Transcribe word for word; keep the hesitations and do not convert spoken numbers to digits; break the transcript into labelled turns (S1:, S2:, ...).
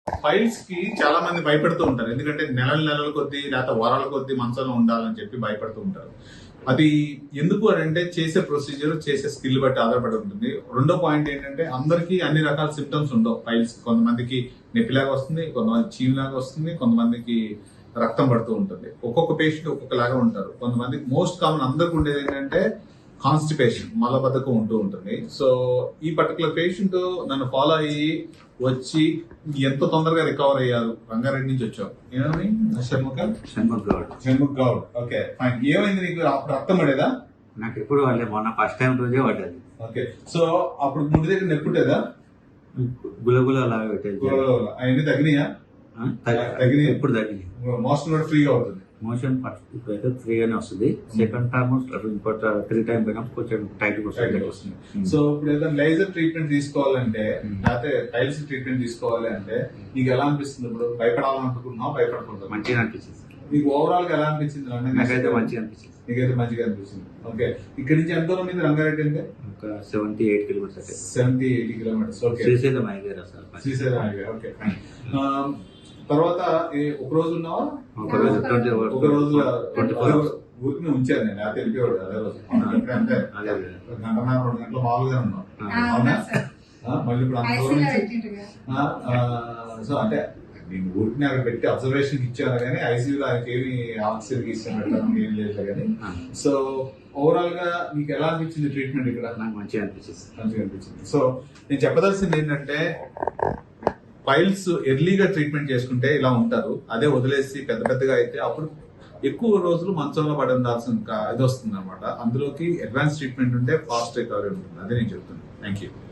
S1: Files కి చాలా మంది భయపడుతూ ఉంటారు, ఎందుకంటే నెలల నెలల కొద్దీ లేకపోతే వారాల కొద్దీ మంచంలో ఉండాలని చెప్పి భయపడుతూ ఉంటారు. అది ఎందుకు అని అంటే చేసే ప్రొసీజర్ చేసే స్కిల్ బట్టి ఆధారపడి ఉంటుంది. రెండో పాయింట్ ఏంటంటే అందరికీ అన్ని రకాల సిమ్టమ్స్ ఉండవు ఫైల్స్. కొంతమందికి నొప్పిలాగా వస్తుంది, కొంతమంది చీవులాగా వస్తుంది, కొంతమందికి రక్తం పడుతూ ఉంటుంది. ఒక్కొక్క పేషెంట్ ఒక్కొక్కలాగా ఉంటారు. కొంతమందికి మోస్ట్ కామన్ అందరికి ఉండేది ఏంటంటే కాన్స్టిపేషన్, మలబద్ధకం ఉంటూ ఉంటుంది. సో ఈ పర్టికులర్ పేషెంట్ నన్ను ఫాలో అయ్యి వచ్చి ఎంత తొందరగా రికవర్ అయ్యారు. రంగారెడ్డి నుంచి వచ్చావు, ఏమని? షణ్ముఖ
S2: షణ్ముఖ్ గౌడ్.
S1: Shanmukh Goud, okay fine. ఏమైంది నీకు? అప్పుడు రక్తం పడేదా?
S2: నాకు ఎప్పుడు వాళ్ళే, మొన్న ఫస్ట్ టైం రోజే పడ్డది.
S1: ఓకే, సో అప్పుడు ముందు దగ్గర నెప్పుంటేదా?
S2: గులగుల అలాగే పెట్టేది.
S1: అవన్నీ తగినాయా?
S2: తగినాయి, ఎప్పుడు తగ్గినాయి.
S1: మోషన్ కూడా ఫ్రీగా అవుతుంది.
S2: మోషన్ ఫస్ట్ ఇప్పుడైతే ఫ్రీగానే వస్తుంది. సెకండ్ టైమ్ ఇంకోటి త్రీ టైం పోయినప్పుడు కొంచెం టైట్ వస్తుంది.
S1: సో ఇప్పుడు ఏదైనా లేజర్ ట్రీట్మెంట్ తీసుకోవాలంటే లేకపోతే టైల్స్ ట్రీట్మెంట్ తీసుకోవాలి అంటే నీకు ఎలా అనిపిస్తుంది? ఇప్పుడు భయపడాలనుకుంటున్నావు, భయపడకూడదు?
S2: మంచిగా అనిపించింది.
S1: నీకు ఓవరాల్ గా ఎలా అనిపించింది?
S2: నాకైతే మంచిగా అనిపించింది.
S1: నీకైతే మంచిగా అనిపిస్తుంది. ఓకే, ఇక్కడ నుంచి ఎంత దూరం మీద రంగారెడ్డి అంటే?
S2: ఒక seventy eight kilometres.
S1: Seventy eighty kilometres. Okay,
S2: Srisailam highway sir.
S1: Srisailam highway, okay fine. తర్వాత ఒక రోజు ఉన్నావా?
S2: ఒక రోజు ట్వంటీ
S1: ఒక రోజు
S2: ట్వంటీ ఫోర్ అవర్స్
S1: ఊరికి ఉంచాను నేను. అది తెలిపేవాడు అదే రోజు. అంటే గంటన్నర రెండు గంటలు మామూలుగా ఉన్నాం. అవునా? మళ్ళీ ఇప్పుడు అంత దూరం నుంచి సో అంటే నేను ఊరికి అక్కడ పెట్టి అబ్జర్వేషన్ ఇచ్చాను కానీ ఐసీయూలో ఆయనకి ఏమి ఆక్సిజన్ ఇష్టం పెట్టడం ఏం లేదు కానీ. సో ఓవరాల్ గా నీకు ఎలా అనిపించింది ట్రీట్మెంట్ ఇక్కడ?
S2: నాకు మంచిగా అనిపించింది.
S1: మంచిగా అనిపించింది. సో నేను చెప్పదలసింది ఏంటంటే ఫైల్స్ ఎర్లీగా ట్రీట్మెంట్ చేసుకుంటే ఇలా ఉంటారు. అదే వదిలేసి పెద్ద పెద్దగా అయితే అప్పుడు ఎక్కువ రోజులు మంచంలో పడి ఉండాల్సిన ఇది వస్తుంది అనమాట. అందులోకి అడ్వాన్స్ ట్రీట్మెంట్ ఉంటే ఫాస్ట్ రికవరీ ఉంటుంది. అదే నేను చెప్తున్నాను. Thank you.